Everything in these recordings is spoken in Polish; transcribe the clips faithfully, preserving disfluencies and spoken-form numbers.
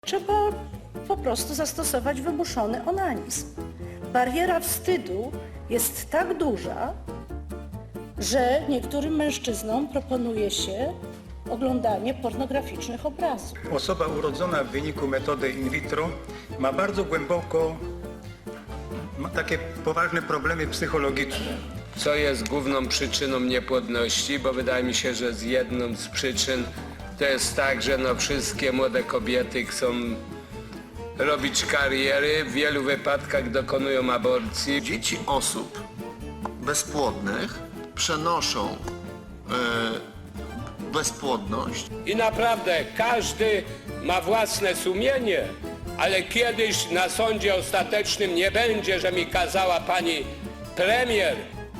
Trzeba po prostu zastosować wymuszony onanizm. Bariera wstydu jest tak duża, że niektórym mężczyznom proponuje się oglądanie pornograficznych obrazów. Osoba urodzona w wyniku metody in vitro ma bardzo głęboko, ma takie poważne problemy psychologiczne. Co jest główną przyczyną niepłodności, bo wydaje mi się, że z jedną z przyczyn to jest tak, że no wszystkie młode kobiety chcą robić kariery, w wielu wypadkach dokonują aborcji. Dzieci osób bezpłodnych przenoszą e, bezpłodność. I naprawdę każdy ma własne sumienie, ale kiedyś na sądzie ostatecznym nie będzie, że mi kazała pani premier.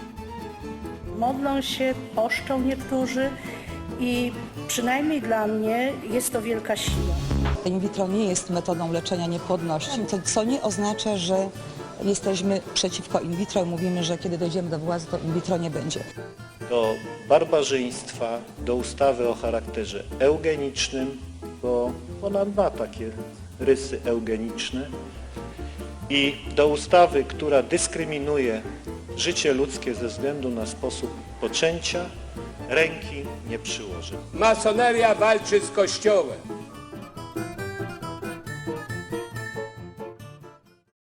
Modlą się, poszczą niektórzy i przynajmniej dla mnie jest to wielka siła. In vitro nie jest metodą leczenia niepłodności, to co nie oznacza, że jesteśmy przeciwko in vitro i mówimy, że kiedy dojdziemy do władzy, to in vitro nie będzie. Do barbarzyństwa, do ustawy o charakterze eugenicznym, bo ona ma takie rysy eugeniczne, i do ustawy, która dyskryminuje życie ludzkie ze względu na sposób poczęcia, ręki nie przyłoży. Masoneria walczy z Kościołem.